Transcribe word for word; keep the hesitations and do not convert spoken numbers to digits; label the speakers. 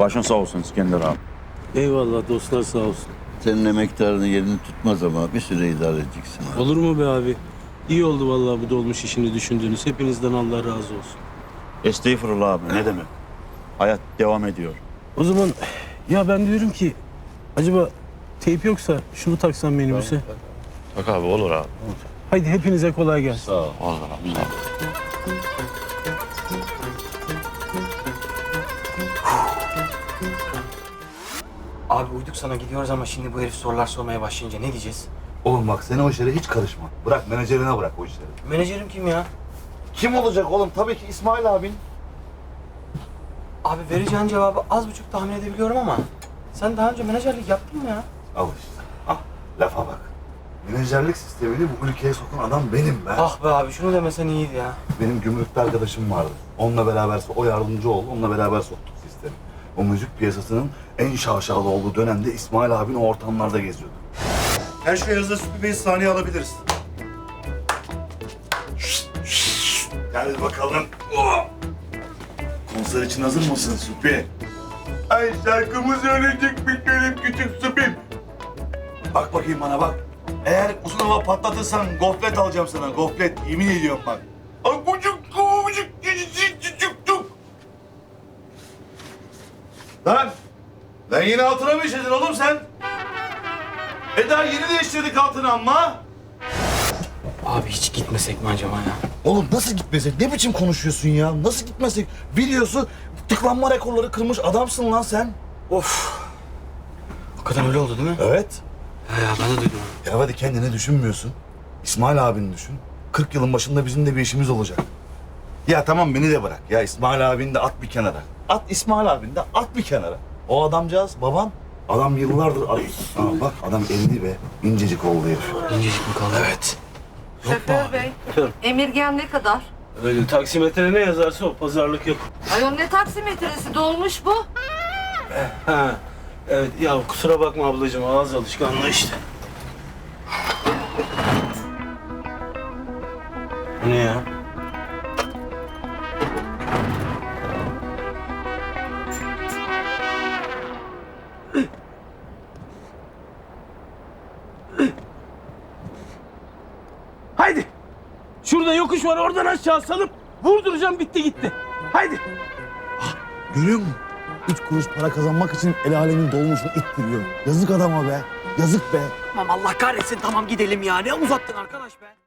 Speaker 1: Başın sağ olsun İskender abi.
Speaker 2: Eyvallah dostlar sağ olsun.
Speaker 3: Senin emektarının yerini tutmaz ama bir süre idare edeceksin abi.
Speaker 2: Olur mu be abi? İyi oldu vallahi bu dolmuş işini düşündüğünüz. Hepinizden Allah razı olsun.
Speaker 1: Estağfurullah abi, ne demek? Hayat devam ediyor.
Speaker 2: O zaman ya ben diyorum ki acaba teyp yoksa şunu taksam minibüse.
Speaker 1: Bak abi, olur abi.
Speaker 2: Haydi hepinize kolay gelsin.
Speaker 3: Sağ ol.
Speaker 1: Olur abi, sağ ol.
Speaker 4: Abi uyduk sana gidiyoruz ama şimdi bu herif sorular sormaya başlayınca ne diyeceğiz?
Speaker 5: Oğlum bak sen o işlere hiç karışma. Bırak menajerine bırak o işleri.
Speaker 4: Menajerim kim ya?
Speaker 5: Kim olacak oğlum? Tabii ki İsmail abin.
Speaker 4: Abi vereceğin cevabı az buçuk tahmin edebiliyorum ama sen daha önce menajerlik yaptın mı ya?
Speaker 5: Al işte. Ah lafa bak. Menajerlik sistemini bu ülkeye sokan adam benim ben.
Speaker 4: Ah be abi şunu demesen iyiydi ya.
Speaker 5: Benim gümrükte arkadaşım vardı. Onunla beraber, o yardımcı oldu. Onunla beraber soktuk sistemi. O müzik piyasasının en şaşalı olduğu dönemde İsmail abin o ortamlarda geziyordu. Her şey hazır, Sütü Bey'i sahneye alabiliriz. Gel bakalım. Oh! Konser için hazır mısın Sütü? Ay şarkımı söyleyecekmiş benim küçük Sütü'm. Bak bakayım bana bak. Eğer uzun hava patlatırsan goflet alacağım sana. Goflet, yemin ediyorum bak. Ay kucuk kucuk küçük küçük küçük. Lan! Lan yine altına mı işledin oğlum sen? E daha yeni değiştirdik altını ama.
Speaker 4: Abi hiç gitmesek mi acaba ya?
Speaker 5: Oğlum nasıl gitmesek? Ne biçim konuşuyorsun ya? Nasıl gitmesek? Biliyorsun tıklanma rekorları kırmış adamsın lan sen.
Speaker 4: Of. Hakikaten öyle oldu değil mi?
Speaker 5: Evet.
Speaker 4: He ya ben de duydum.
Speaker 5: Ya hadi kendini düşünmüyorsun. İsmail abini düşün. kırk yılın başında bizim de bir işimiz olacak. Ya tamam beni de bırak. Ya İsmail abini de at bir kenara. At İsmail abini de at bir kenara. O adamcağız baban. Adam yıllardır... Aa, bak adam elli be. İncecik oldu herif.
Speaker 4: İncecik mi kaldı? Evet.
Speaker 6: Şoför bey, emirgen ne kadar?
Speaker 2: Öyle taksimetre ne yazarsa o pazarlık yok.
Speaker 6: Ayol ne taksimetresi dolmuş bu?
Speaker 2: Ha. Evet ya kusura bakma ablacığım ağız alışkanlığı işte. Bu ne ya? Haydi. Şurada yokuş var oradan aşağı salıp vurduracağım bitti gitti. Haydi.
Speaker 5: Görüyor musun? Üç kuruş para kazanmak için el alemin dolmuşunu ittiriyor. Yazık adama be. Yazık be.
Speaker 7: Tamam Allah kahretsin tamam gidelim ya. Ne uzattın arkadaş be?